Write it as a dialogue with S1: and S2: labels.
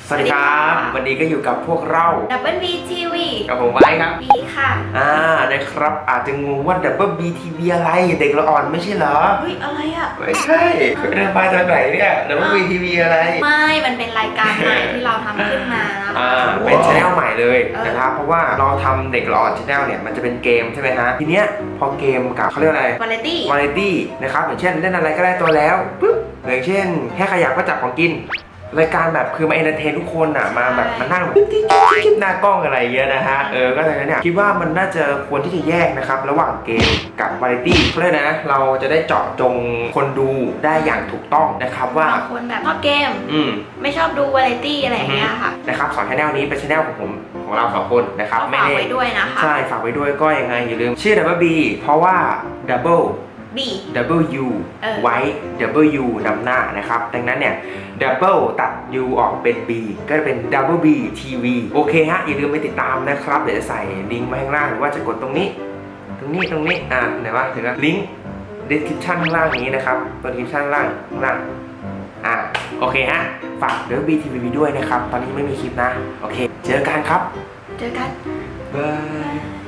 S1: สวัสดีครับวันนี้ก็อยู่กับพวกเรา
S2: Double B TV
S1: กับผมไว้ครับ
S2: B ค่ะ
S1: นะครับอาจจะงงว่า Double B TV อะไรเด็กละอ่อนไม่ใช่เหรอ
S2: เฮ้ยอะไรอ่ะ
S1: ไม่ใช่เดินมาจากไหนเนี่ย Double B TV อะไร
S2: ไม่มันเป็นรายการใหม่ที่เราทำขึ้นมานะคะ
S1: เป็นช anel ใหม่เลยนะครับเพราะว่าเราทำเด็กละอ่อน channel เนี่ยมันจะเป็นเกมใช่ไหมฮะทีเนี้ยพอเกมกับเขาเรียกอะไร
S2: Variety
S1: นะครับอย่างเช่นเล่นอะไรก็ได้ตัวแล้วปุ๊บอย่างเช่นแค่ขยับก็จับของกินรายการแบบคือมาเอนเตอร์เทนทุกคนอ่ะมาแบบมานั่งแบบคลิปหน้ากล้องอะไรเงี้ยนะฮะก็เลยเนี่ยคิดว่ามันน่าจะควรที่จะแยกนะครับระหว่างเกมกับวาไรตี้เพราะฉะนั้นนะเราจะได้เจาะจงคนดูได้อย่างถูกต้องนะครับว่า
S2: บางคนแบบชอบเกมไม่ชอบดู Variety อะไรอย่างเงี้ยค่ะ
S1: นะครับสองชแนลนี้เป็นชแนลของผมของเราสองคนนะครับ
S2: ไม่ได้ฝากไว้ด้วยนะคะ
S1: ใช่ฝากไว้ด้วยก็ยังไงอย่าลืมชื่อ Double B เพราะว่า Double
S2: B
S1: W ไว้ W นำหน้านะครับดังนั้นเนี่ย Double ตัด U ออกเป็น B ก็จะเป็น Double B TV โอเคฮะอย่าลืมไปติดตามนะครับเดี๋ยวจะใส่ลิงก์ไว้ข้างล่างหรือว่าจะกดตรงนี้ไหนวะถึงแล้วลิงก์ description ข้างล่างนี้นะครับตัว description ข้างล่างโอเคฮะฝาก Double B TV ด้วยนะครับตอนนี้ไม่มีคลิปนะโอเคเจอกันครับ
S2: เจอกัน
S1: บาย